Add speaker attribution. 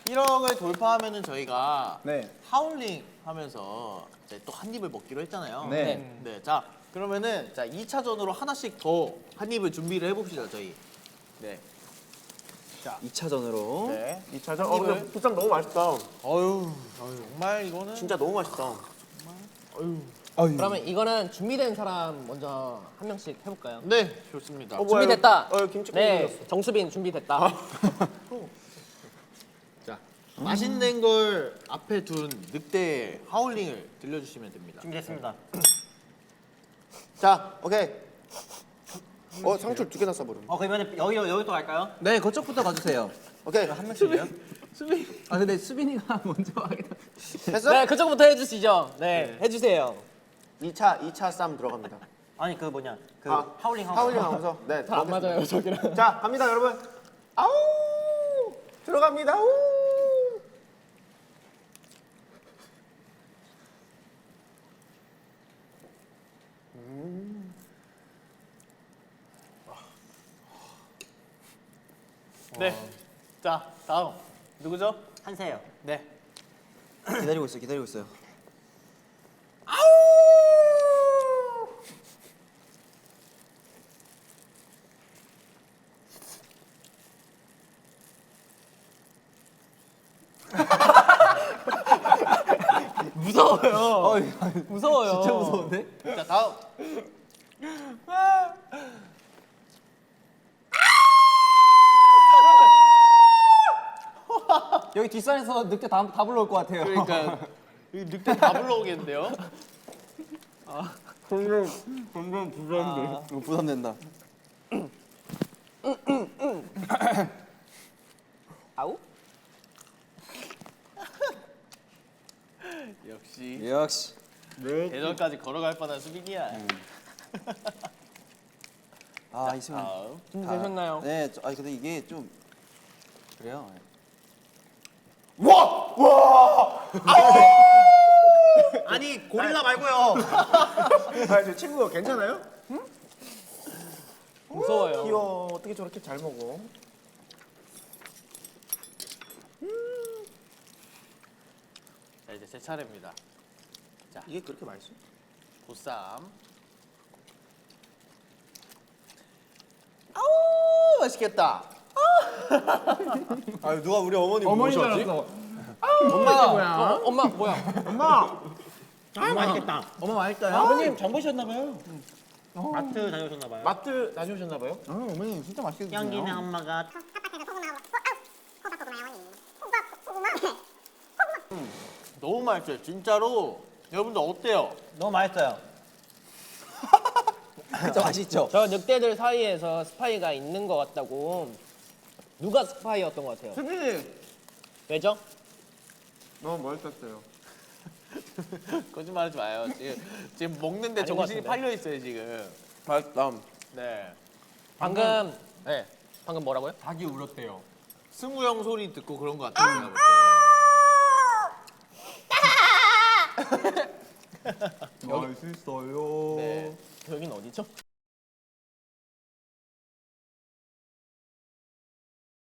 Speaker 1: 1억을 돌파하면은 저희가
Speaker 2: 네.
Speaker 1: 하울링 하면서 이제 또 한 입을 먹기로 했잖아요.
Speaker 2: 네.
Speaker 1: 네. 자, 그러면은 자 2차전으로 하나씩 더 한 입을 준비를 해봅시다, 저희. 네.
Speaker 2: 2차전으로.
Speaker 1: 네.
Speaker 3: 2차전? 근데 부쌈 너무 맛있다.
Speaker 1: 어유, 정말 이거는
Speaker 3: 진짜 너무 맛있다.
Speaker 4: 그러면 이거는 준비된 사람 먼저 한 명씩 해볼까요?
Speaker 1: 네, 좋습니다.
Speaker 3: 뭐야,
Speaker 4: 준비됐다.
Speaker 3: 이거 김치국
Speaker 4: 네,
Speaker 3: 생겼어.
Speaker 4: 정수빈 준비됐다.
Speaker 1: 자, 맛있는 걸 앞에 둔 늑대 하울링을 들려주시면 됩니다.
Speaker 3: 준비됐습니다. 자, 오케이. 상추 2개나 써버려.
Speaker 5: 그러면 여기 또 갈까요?
Speaker 2: 네, 그쪽부터 가주세요.
Speaker 3: 오케이.
Speaker 1: 한 명씩이요?
Speaker 2: 아, 근데 수빈이가 먼저 하겠다.
Speaker 3: 됐어?
Speaker 4: 네, 그쪽부터 해주시죠. 네, 해주세요.
Speaker 3: 2차 쌈 들어갑니다.
Speaker 5: 아니 그 뭐냐 그
Speaker 3: 아,
Speaker 5: 하울링 하우스.
Speaker 3: 하울링 하면서. 네.
Speaker 4: 잘 안 맞아요, 저기랑.
Speaker 3: 자, 갑니다, 여러분. 아우! 들어갑니다. 우!
Speaker 1: 네. 자, 다음 누구죠?
Speaker 5: 한세요.
Speaker 1: 네.
Speaker 2: 기다리고 있어요, 기다리고 있어요.
Speaker 4: 무서워요. 무서워요.
Speaker 2: 진짜 무서운데?
Speaker 1: 자, 다음.
Speaker 2: 여기 뒷산에서 늑대 다 불러올 것 같아요.
Speaker 1: 그러니까 이 늑대 다 불러오겠는데요?
Speaker 2: 이거 부담된다.
Speaker 4: 아우?
Speaker 1: 역시
Speaker 2: 역시.
Speaker 1: 대전까지 걸어갈 뻔한 수빈이야.
Speaker 2: 아, 있으면.
Speaker 1: 다음.
Speaker 4: 준비되셨나요?
Speaker 2: 네, 아니 근데 이게 좀 그래요.
Speaker 1: 아니 고릴라 말고요.
Speaker 3: 저 친구 괜찮아요?
Speaker 4: 무서워요.
Speaker 3: 귀여워. 어떻게 저렇게 잘 먹어?
Speaker 1: 자, 이제 제 차례입니다.
Speaker 3: 이게 그렇게 맛있어?
Speaker 1: 보쌈. 아우 맛있겠다.
Speaker 3: 아, 누가 우리 어머니 모셨지?
Speaker 4: 엄마, 엄마 뭐야?
Speaker 5: 맛있겠다.
Speaker 2: 어머 맛있어요?
Speaker 5: 아버님 장 보셨나봐요. 마트 다녀오셨나봐요.
Speaker 3: 마트 다녀오셨나 봐요?
Speaker 2: 어머니 진짜 맛있게 드세요.
Speaker 5: 향기네 엄마가
Speaker 1: 너무 맛있어요. 진짜로. 여러분들 어때요?
Speaker 5: 너무 맛있어요.
Speaker 2: 진짜 맛있죠?
Speaker 4: 저 늑대들 사이에서 스파이가 있는 것 같다고. 누가 스파이였던 것 같아요?
Speaker 3: 수빈이
Speaker 4: 왜죠?
Speaker 3: 너무 멋있었어요.
Speaker 1: 거짓말하지 마요. 지금 먹는데
Speaker 4: 아닌 것
Speaker 1: 정신이
Speaker 4: 같은데.
Speaker 1: 팔려 있어요 지금.
Speaker 3: 맛있다.
Speaker 1: 네.
Speaker 4: 방금
Speaker 1: 네.
Speaker 4: 방금 뭐라고요?
Speaker 1: 닭이 울었대요. 승우 형 소리 듣고 그런 것 같아요. 제가 볼 때.
Speaker 2: 맛있어요.
Speaker 1: 네.
Speaker 4: 여긴 어디죠?